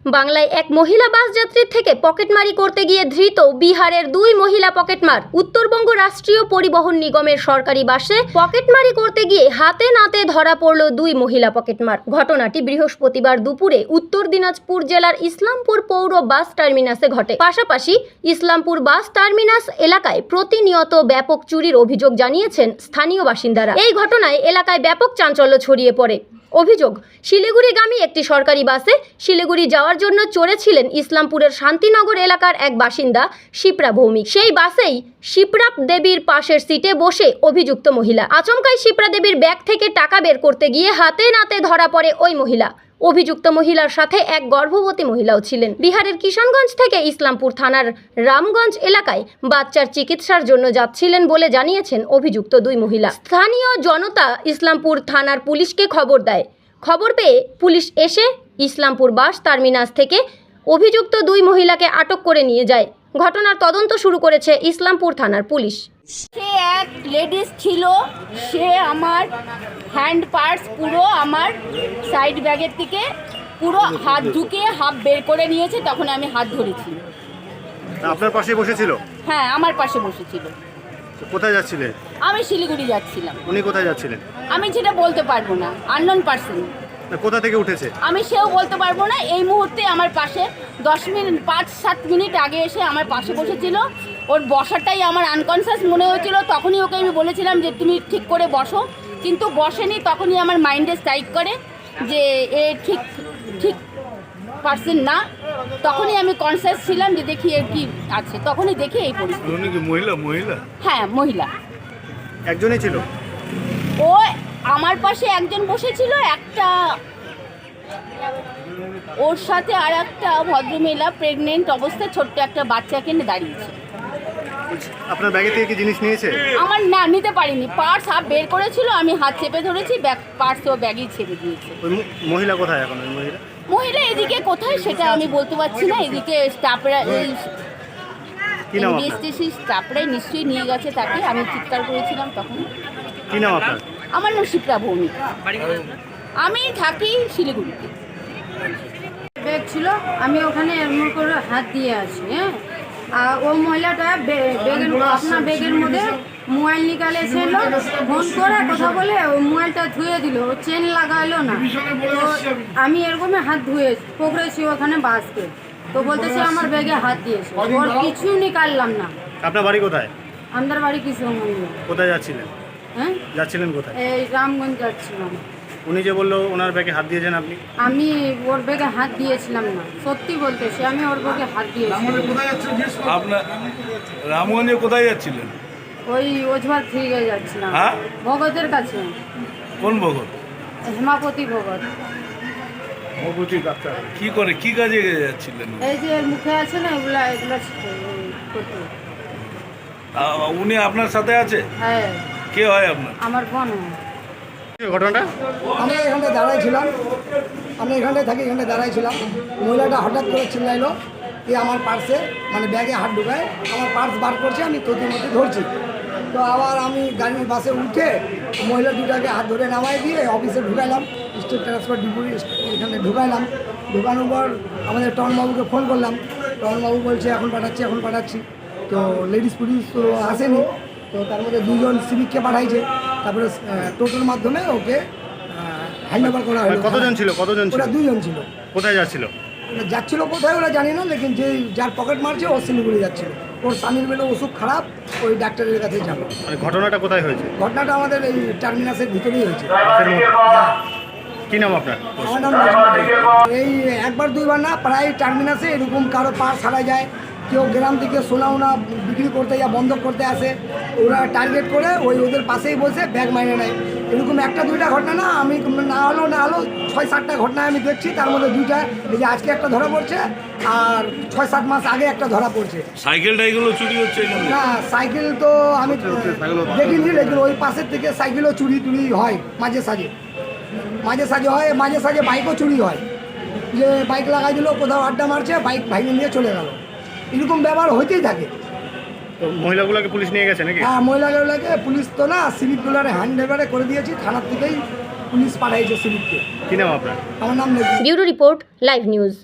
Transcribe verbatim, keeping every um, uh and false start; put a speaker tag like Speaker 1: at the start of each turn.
Speaker 1: বাংলায় এক মহিলা বাস যাত্রীর থেকে পকেটমারি করতে গিয়ে ধৃত বিহারের দুই মহিলা পকেটমার। উত্তরবঙ্গ রাষ্ট্রীয় পরিবহন নিগমের সরকারি বাসে পকেটমারি করতে গিয়ে হাতে নাতে ধরা পড়ল দুই মহিলা পকেটমার। ঘটনাটি বৃহস্পতিবার দুপুরে উত্তর দিনাজপুর জেলার ইসলামপুর পৌর বাস টার্মিনাসে ঘটে। পাশাপাশি ইসলামপুর বাস টার্মিনাস এলাকায় প্রতিনিয়ত ব্যাপক চুরির অভিযোগ জানিয়েছেন স্থানীয় বাসিন্দারা। এই ঘটনায় এলাকায় ব্যাপক চাঞ্চল্য ছড়িয়ে পড়ে। অভিযোগ, শিলিগুড়িগামী একটি সরকারি বাসে শিলিগুড়ি যাওয়ার জন্য চড়েছিলেন ইসলামপুরের শান্তিনগর এলাকার এক বাসিন্দা শিপ্রা ভৌমিক। সেই বাসেই শিপ্রা দেবীর পাশের সিটে বসে অভিযুক্ত মহিলা। আচমকাই শিপ্রা দেবীর ব্যাগ থেকে টাকা বের করতে গিয়ে হাতে নাতে ধরা পড়ে ওই মহিলা। অভিযুক্ত মহিলার সাথে এক গর্ভবতী মহিলাও ছিলেন। বিহারের কিষানগঞ্জ থেকে ইসলামপুর থানার রামগঞ্জ এলাকায় বাচ্চার চিকিৎসার জন্য যাচ্ছিলেন বলে জানিয়েছেন অভিযুক্ত দুই মহিলা। স্থানীয় জনতা ইসলামপুর থানার পুলিশকে খবর দেয়। খবর পেয়ে পুলিশ এসে ইসলামপুর বাস টার্মিনাস থেকে অভিযুক্ত দুই মহিলাকে আটক করে নিয়ে যায়। ঘটনার তদন্ত শুরু করেছে ইসলামপুর থানার পুলিশ।
Speaker 2: সে এক লেডিস ছিল, সে আমার হ্যান্ড পার্স পুরো আমার সাইড ব্যাগের থেকে পুরো হাত ঢুকিয়ে হাফ বের করে নিয়েছে। তখন আমি হাত ধরেছি।
Speaker 3: আপনার পাশে বসেছিল?
Speaker 2: হ্যাঁ, আমার পাশে বসেছিল।
Speaker 3: কোথায় যাচ্ছিলেন?
Speaker 2: আমি শিলিগুড়ি যাচ্ছিলাম।
Speaker 3: উনি কোথায় যাচ্ছিলেন?
Speaker 2: আমি যেটা বলতে পারবো না, আননোন পার্সন।
Speaker 3: কোথা থেকে উঠেছে?
Speaker 2: আমি সেও বলতে পারবো না। এই মুহূর্তে আমার পাশে দশ মিনিট পাঁচ সাত মিনিট আগে এসে আমার পাশে বসেছিল। ওর বসাটাই আমার আনকনসিয়াস মনে হয়েছিল। তখনই ওকে আমি বলেছিলাম যে তুমি ঠিক করে বসো, কিন্তু বসেনি। তখনই আমার মাইন্ডে স্ট্রাইক করে যে এ ঠিক ঠিক পার্সন না। তখনই আমি কনসিয়াস ছিলাম যে দেখি এর কি আছে। তখনই দেখি এই পরিস্থিতি।
Speaker 3: মহিলা মহিলা
Speaker 2: হ্যাঁ, মহিলা
Speaker 3: একজনই ছিল।
Speaker 2: ও আমার পাশে একজন বসেছিল, একটা ওর সাথে আর একটা ভদ্রমহিলা প্রেগনেন্ট অবস্থায় ছোট্ট একটা বাচ্চাকে নিয়ে দাঁড়িয়েছে।
Speaker 3: আপনার ব্যাগে থেকে কি জিনিস নিয়েছে?
Speaker 2: আমার না, নিতে পারিনি। পার্স হাফ বের করেছিল, আমি হাত চেপে ধরেছি, ব্যাগ পার্স ও ব্যাগই ছেড়ে দিয়েছে।
Speaker 3: ওই মহিলা কোথায় এখন? ওই মহিলা
Speaker 2: মহিলা এদিকে কোথায় সেটা আমি বলতে পারছি না। এদিকে স্টাফরা এনবিএসটিসি স্টাফরাই নিশ্চয়ই নিয়ে গেছে তাকে। আমি চিৎকার করেছিলাম তখন।
Speaker 3: কি নাম আপনার?
Speaker 2: আমার নাম শিপ্রা ভৌমিক। আমি থাকি শিলিগুড়িতে।
Speaker 4: ব্যাগ ছিল, আমি ওখানে এমন করে হাত দিয়ে আছি। হ্যাঁ, আর ও মহিলাটা ব্যাগের আপনার ব্যাগের মধ্যে মোবাইল নিকালেছিল। ফোন করে কথা বলে ও মোবাইলটা ধুয়ে দিল, ও চেন লাগাইলো না। তো আমি এরকমই হাত ধুয়ে পকড়েছি ওখানে বাসকে। তো বলতেছে আমার ব্যাগে হাত দিয়েছে, ওর কিছু নিকাললাম না।
Speaker 3: আপনার বাড়ি কোথায়?
Speaker 4: আমাদের বাড়ি কিশোরগঞ্জ।
Speaker 3: কোথায় যাচ্ছিলেন?
Speaker 4: হ্যাঁ,
Speaker 3: যাচ্ছিলেন কোথায়?
Speaker 4: এই রামগঞ্জ যাচ্ছিলাম।
Speaker 3: উনি যে বললো ওনার ব্যাগে হাত দিয়েছেন আপনি?
Speaker 4: আমি ওর ব্যাগে হাত দিয়েছিলাম না, সত্যি বলতেছি আমি ওর ব্যাগে হাত দিয়েছিলাম।
Speaker 5: আপনার রামগঞ্জে কোথায় যাচ্ছিলেন?
Speaker 4: ওই ওঝবার থেকে যাচ্ছিলাম।
Speaker 5: হ্যাঁ,
Speaker 4: ভগতের কাছে।
Speaker 5: কোন ভগত?
Speaker 4: হেমাপতি ভগত।
Speaker 5: কি করে, কি কাজে যাচ্ছিলেন?
Speaker 4: এই যে মুখে আছে না, এগুলা এগুলা করতে।
Speaker 5: আ- উনি আপনার সাথে আছে?
Speaker 4: হ্যাঁ,
Speaker 5: কে হয় আপনার?
Speaker 4: আমার বোন।
Speaker 3: ঘটনাটা
Speaker 6: আমরা এখানটা দাঁড়াইছিলাম, আমরা এখানটায় থাকি, এখানটায় দাঁড়াইছিলাম। মহিলাটা হঠাৎ করে চিল্লাইলো যে আমার পার্সে মানে ব্যাগে হাত ঢুকায়, আমার পার্স বার করছে, আমি তোদের মধ্যে ধরছি। তো আবার আমি গাড়ির বাসে উঠে মহিলা দুটাকে হাত ধরে নামাই দিয়ে অফিসে ঢুকাইলাম, স্টেট ট্রান্সপোর্ট ডিপো এখানে ঢুকাইলাম। ঢুকানোর পর আমাদের টনবাবুকে ফোন করলাম। টনবাবু বলছে এখন পাঠাচ্ছি এখন পাঠাচ্ছি তো লেডিস পুলিশ তো আসেনি। তো তার মধ্যে দুজন সিভিককে পাঠাইছে। তারপরে টোটোর মাধ্যমে ওকে হ্যান্ড ওভার করা হলো।
Speaker 3: কতজন ছিল? কতজন ছিল?
Speaker 6: ওরা দুজন ছিল।
Speaker 3: কোথায় যাচ্ছিল?
Speaker 6: ওরা যাচ্ছিল কোথায় ওরা জানি না, লেকিন যে যার পকেট মারছে ও শিলিগুড়ি যাচ্ছিল। ওর স্বামীর বেলা ওষুধ খারাপ, ওই ডাক্তারের কাছে যাবো।
Speaker 3: মানে ঘটনাটা কোথায় হয়েছে?
Speaker 6: ঘটনাটা আমাদের এই টার্মিনাসের ভিতরেই হয়েছে।
Speaker 3: বাসের মধ্যে? কি নাম আপনার?
Speaker 6: আমার নাম নাজমুল। এই একবার দুইবার না, প্রায় টার্মিনাসে এরকম কারো পার ছাড়া যায়, কেউ গ্রাম থেকে সোনা ওনা বিক্রি করতে যা বন্ধ করতে আসে, ওরা টার্গেট করে ওই ওদের পাশেই বসে ব্যাগ মাইনে নেয়। এরকম একটা দুইটা ঘটনা না, আমি না হলো না হলো ছয় সাতটা ঘটনা আমি দেখছি। তার মধ্যে দুইটা এই যে আজকে একটা ধরা পড়ছে, আর ছয় সাত মাস আগে একটা ধরা পড়ছে।
Speaker 5: সাইকেল টাইকেলও চুরি হচ্ছে এখানে?
Speaker 6: না, সাইকেল তো আমি দেখিনি, লেকিন ওই পাশের থেকে সাইকেলও চুরি টুরি হয় মাঝে সাঝে মাঝে সাঝে হয় মাঝে সাঝে বাইকও চুরি হয়। যে বাইক লাগাই দিল, কোথাও আড্ডা মারছে, বাইক ভাঙে নিয়ে চলে গেল, এরকম ব্যবহার হইতেই থাকে।
Speaker 3: তো মহিলাগুলোকে পুলিশ নিয়ে গেছে নাকি?
Speaker 6: হ্যাঁ, মহিলাগুলোকে পুলিশ তো না, সিভিকগুলোর হ্যান্ড ওভারে করে দিয়েছি, থানার থেকেই পুলিশ পাঠাইছে সিভিককে।
Speaker 3: কি নাম আপনার?
Speaker 6: আমার নাম নেই।
Speaker 1: Bureau report, live news.